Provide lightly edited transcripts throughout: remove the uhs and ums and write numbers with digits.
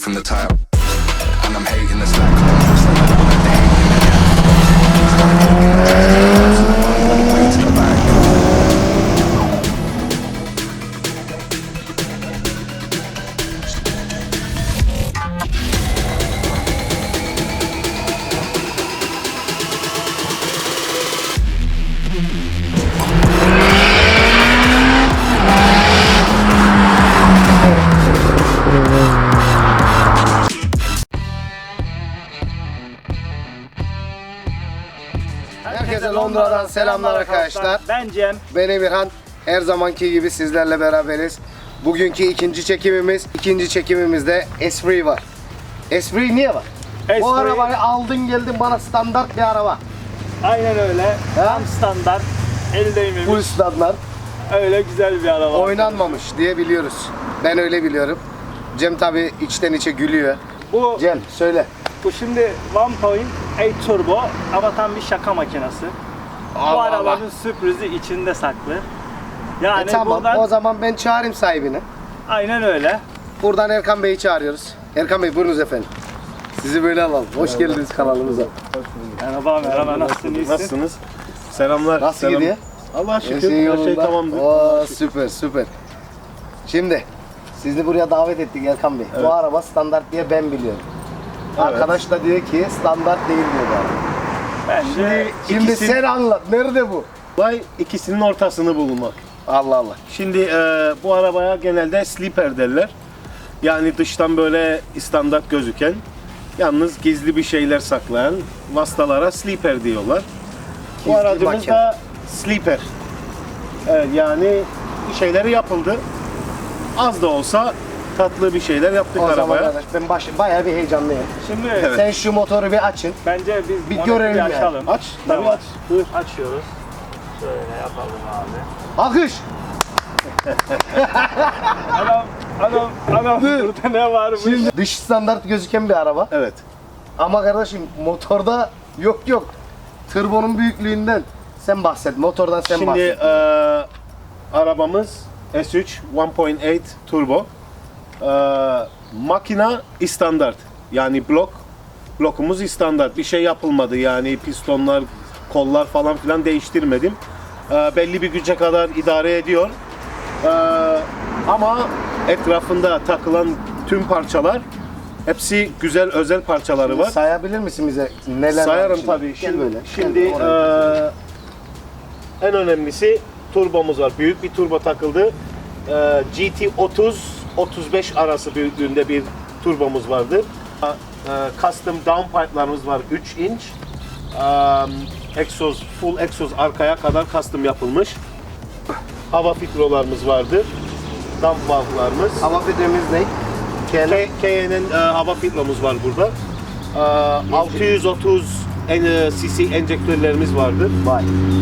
from the top. And I'm hating the slack on the most like I don't let the hate in the gap. Started kicking ass, all the way to the back. Herkese Londra'dan selamlar arkadaşlar. Ben Cem. Ben Emirhan. Her zamanki gibi sizlerle beraberiz. Bugünkü ikinci çekimimiz. İkinci çekimimizde Esprit var. Esprit niye var? Bu Esprit- arabayı aldın geldin bana standart bir araba. Aynen öyle. Tam standart. El değmemiş. Full standart. Öyle güzel bir araba. Oynanmamış diye biliyoruz. Ben öyle biliyorum. Cem tabi içten içe gülüyor. Bu, Cem söyle. bu şimdi 1.8 turbo ama tam bir şaka makinesi. Bu Allah arabanın sürprizi içinde saklı. Yani Tamam buradan o zaman ben çağırayım sahibini. aynen öyle. Buradan Erkan Bey'i çağırıyoruz. Erkan Bey buyurunuz efendim. Sizi böyle alalım. Hoş geldiniz kanalımıza. Merhaba, nasılsın, iyisin? Nasılsınız? Selamlar. Nasıl selam. gidiyor? Allah'a şükür Her şey her şey yolunda. tamamdır. Oo, süper süper. Şimdi sizi buraya davet ettik Erkan Bey. Bu araba standart diye ben biliyorum. Arkadaş da diyor ki standart değil diyor bu araba. Bence Şimdi İkisi- sen anlat. Nerede bu? Olay ikisinin ortasını bulmak. Allah Allah. Şimdi bu arabaya genelde sleeper derler. Yani dıştan böyle standart gözüken, yalnız gizli bir şeyler saklayan vasıtalara sleeper diyorlar. Bu Gizli aracımız makine. da sleeper. Evet, yani bir şeyleri yapıldı. Az da olsa tatlı bir şeyler yaptık O zaman arabaya. arkadaş ben bayağı bir heyecanlıyım. şimdi Evet. Sen şu motoru bir açın. bence biz Bir onu görelim yani. açalım. Aç, tabii Tamam. aç. Buyur. Açıyoruz. Şöyle yapalım abi. Akış. Adam burada ne varmış? Şimdi dış standart gözüken bir araba. Evet. Ama kardeşim motorda yok. Turbonun büyüklüğünden sen bahset. Motordan sen Şimdi bahset. arabamız S3 1.8 turbo. Makina standart. Yani blokumuz standart. Bir şey yapılmadı. Yani pistonlar, kollar falan filan değiştirmedim. Belli bir güce kadar idare ediyor. Ama etrafında takılan tüm parçalar hepsi güzel özel parçaları var. Sayabilir misin bize neler var Sayarım içinde? tabii. Gel böyle. Şimdi Gel oraya. en önemlisi turbomuz var. Büyük bir turbo takıldı. GT 30-35 arası büyüklüğünde bir turbomuz vardır. Custom downpipe'larımız var 3 inç. Full egzoz arkaya kadar custom yapılmış. Hava filtrolarımız vardır. Dump valve'larımız. Hava filtremiz ne? KN'nin hava filtromuz var burada. 630 cc enjektörlerimiz vardır. Vay.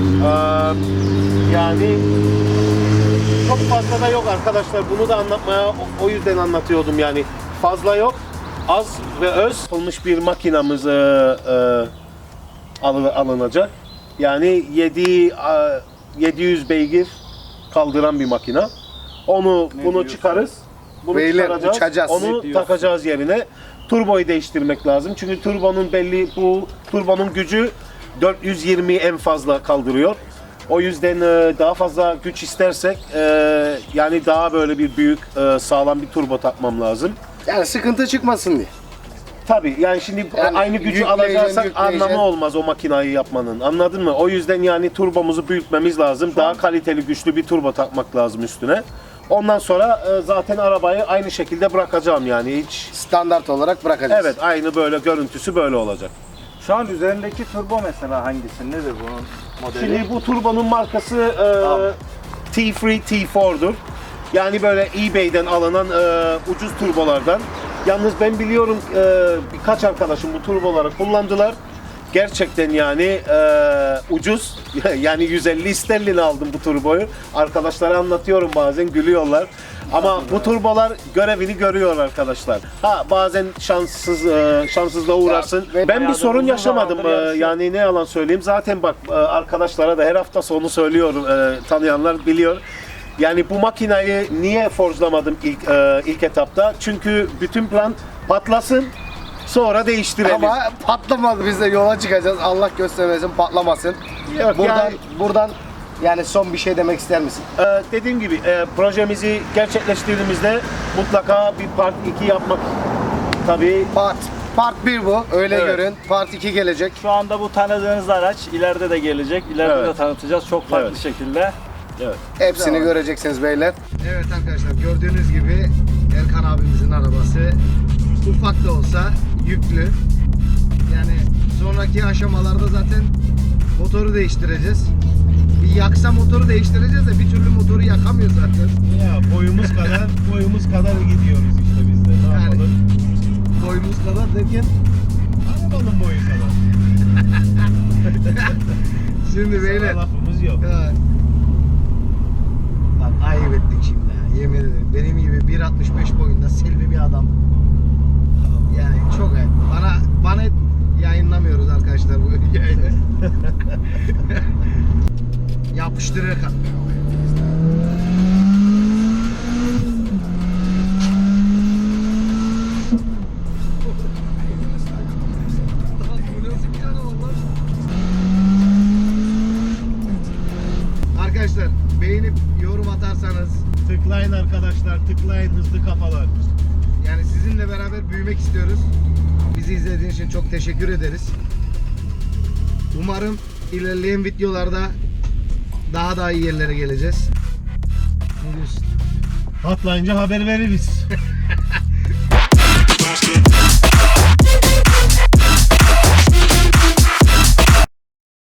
Yani çok fazla da yok arkadaşlar. Bunu da anlatmaya o yüzden anlatıyordum yani. Fazla yok. Az ve öz olmuş bir makinamız alınacak. Yani 700 beygir kaldıran bir makina. Bunu çıkarız. Bunu Beyler, çıkaracağız. uçacağız. Onu takacağız yerine. Turboyu değiştirmek lazım. Çünkü bu turbonun gücü 420 en fazla kaldırıyor. O yüzden daha fazla güç istersek yani daha böyle bir büyük sağlam bir turbo takmam lazım. Yani sıkıntı çıkmasın diye. Tabii yani şimdi Yani aynı gücü yükleyeceksin, alacaksak yükleyeceksin. anlamı olmaz o makinayı yapmanın. Anladın mı? O yüzden yani turbomuzu büyütmemiz lazım. Daha kaliteli, güçlü bir turbo takmak lazım üstüne. Ondan sonra zaten arabayı aynı şekilde bırakacağım yani hiç. Standart olarak bırakacağız. Evet, aynı böyle görüntüsü böyle olacak. Şu an üzerindeki turbo mesela hangisi? Nedir bunun modeli? Şimdi bu turbonun markası T3 T4'dur. Yani böyle eBay'den alınan ucuz turbolardan. Yalnız ben biliyorum birkaç arkadaşım bu turboları kullandılar. Gerçekten yani ucuz. Yani 150 sterlin aldım bu turboyu. Arkadaşlara anlatıyorum bazen gülüyorlar. Ama bu turbolar görevini görüyor arkadaşlar. Ha bazen şanssızlığa uğrarsın. Ya, Ben bir sorun uzun yaşamadım. zamandır yarışıyor. Yani ne yalan söyleyeyim. Zaten bak arkadaşlara da her hafta sonu söylüyorum. Tanıyanlar biliyor. Yani bu makinayı niye forjlamadım ilk etapta? Çünkü bütün plan Patlasın. Sonra değiştirelim. Ama patlamadı, biz de yola çıkacağız. Allah göstermesin, patlamasın. Yok, Buradan yani son bir şey demek ister misin? Dediğim gibi projemizi gerçekleştirdiğimizde mutlaka bir part 2 yapmak tabii. Part 1 bu. Öyle Evet. görün. Part 2 gelecek. Şu anda bu tanıdığınız araç ileride de gelecek. İleride Evet. de tanıtacağız çok farklı Evet. şekilde. Evet. Hepsini Güzel. göreceksiniz beyler. Evet arkadaşlar, gördüğünüz gibi Erkan abimizin arabası ufak da olsa yüklü. Yani sonraki aşamalarda zaten motoru değiştireceğiz. Bir yaksa motoru değiştireceğiz de bir türlü motoru yakamıyor zaten. Ya boyumuz kadar gidiyoruz işte biz de. Ne Yani- yapalım? Boyumuz kadar derken Arabanın boyu kadar. şimdi beyler. Sana lafımız yok. Ya. Bak ayıp ettik şimdi ya. Yemin ederim. Benim gibi 1.65 boyunda selvi bir adam. Yani çok ayıp. Bana yayınlamıyoruz arkadaşlar bu yayını. Yapıştırıyor kan. Arkadaşlar beğenip yorum atarsanız, Tıklayın arkadaşlar, tıklayın hızlı kafalar. yani sizinle beraber büyümek istiyoruz. Bizi izlediğiniz için çok teşekkür ederiz. Umarım ilerleyen videolarda daha da iyi yerlere geleceğiz. Ne diyorsun? Patlayınca haber veririz.